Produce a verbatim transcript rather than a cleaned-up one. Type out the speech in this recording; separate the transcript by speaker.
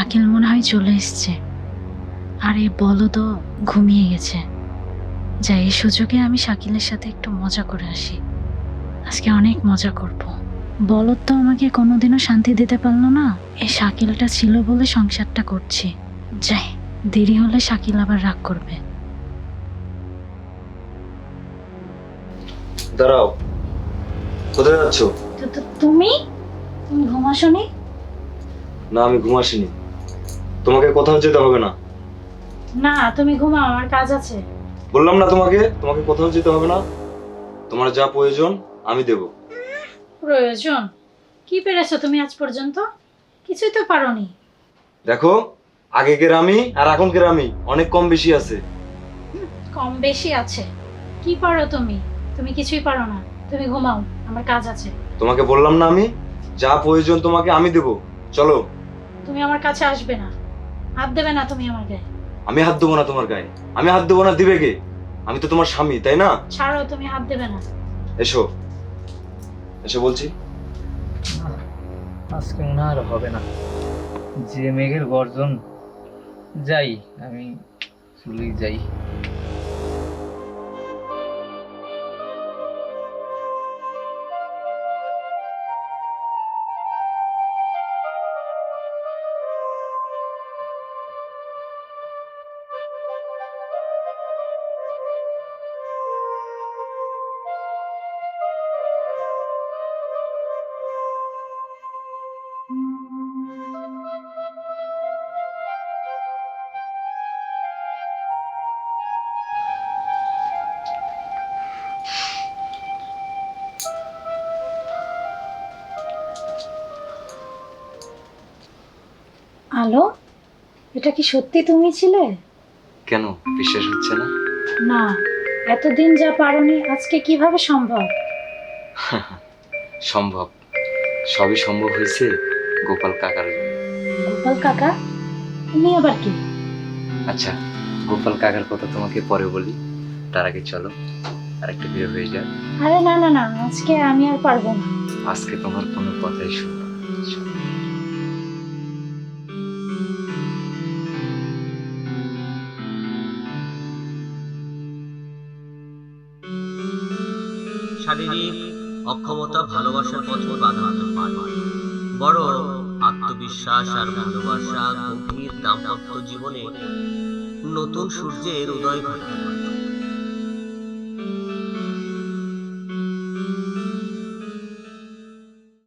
Speaker 1: শাকিল মনে হয় চলে এসছে, আর এই বলদও ঘুমিয়ে গেছে। যাই, এই সুযোগে আমি শাকিলের সাথে একটু মজা করে আসি। আজকে অনেক মজা করব। বলদ তো আমাকে কোনোদিনও শান্তি দিতে পারলো না, এই শাকিলটা ছিল বলে সংসারটা করছি। যাই, দেরি হলে শাকিল আবার রাগ করবে।
Speaker 2: দাঁড়াও, কোথায় যাচ্ছ?
Speaker 1: তো- তো তুমি তুমি ঘুমাসনি?
Speaker 2: না, আমি ঘুমাসিনি। তোমাকে কোথাও যেতে হবে না।
Speaker 1: না, তুমি ঘুমাও, আমার কাজ আছে।
Speaker 2: বললাম না তোমাকে, তোমাকে কোথাও যেতে হবে না। তোমার যা প্রয়োজন আমি দেব।
Speaker 1: প্রয়োজন? কি পেরেছো তুমি আজ পর্যন্ত? কিছুই তো পারোনি।
Speaker 2: দেখো, আগেকের আমি আর এখনকার আমি অনেক কম বেশি আছে।
Speaker 1: কম বেশি আছে? কি পারো তুমি? তুমি কিছুই পারো না। তুমি ঘুমাও, আমার কাজ আছে।
Speaker 2: তোমাকে বললাম না, আমি যা প্রয়োজন তোমাকে আমি দেব। চলো।
Speaker 1: তুমি আমার কাছে আসবে না, হাত দেবে না তুমি আমার গায়ে।
Speaker 2: আমি হাত দেবো না তোমার গায়ে। আমি হাত দেবো না, দিবে কে? আমি তো তোমার স্বামী, তাই না?
Speaker 1: ছাড়ো, তুমি হাত দেবে না।
Speaker 2: এসো, এসো বলছি।
Speaker 3: আজকে মনে হয় আর হবে না, যে মেঘের গর্জন। যাই, আমি চলেই যাই।
Speaker 1: আলো, এটা কি সত্যি তুমি ছিলে?
Speaker 2: কেন বিশ্বাস হচ্ছে না?
Speaker 1: না, এতদিন যা পারোনি আজকে কিভাবে সম্ভব?
Speaker 2: সম্ভব, সবই সম্ভব হয়েছে গোপাল কাকার জন্য।
Speaker 1: গোপাল কাকা? তুমি আবার কি?
Speaker 2: আচ্ছা, গোপাল কাকার কথা তোমাকে পরে বলি, তার আগে চলো আর একটা বিয়ে হয়ে যায়।
Speaker 1: আরে না না না, আজকে আমি আর পারবো না।
Speaker 2: আজকে তোমার কোনো কথাই শুনবো না। চলো।
Speaker 4: শারীরিক অক্ষমতা ভালোবাসার পথে বাধা হতে পারে, বড় আত্মবিশ্বাস আর ভালোবাসা গভীর দাম্পত্য জীবনে নতুন সূর্যের উদয় ঘটাতে পারে।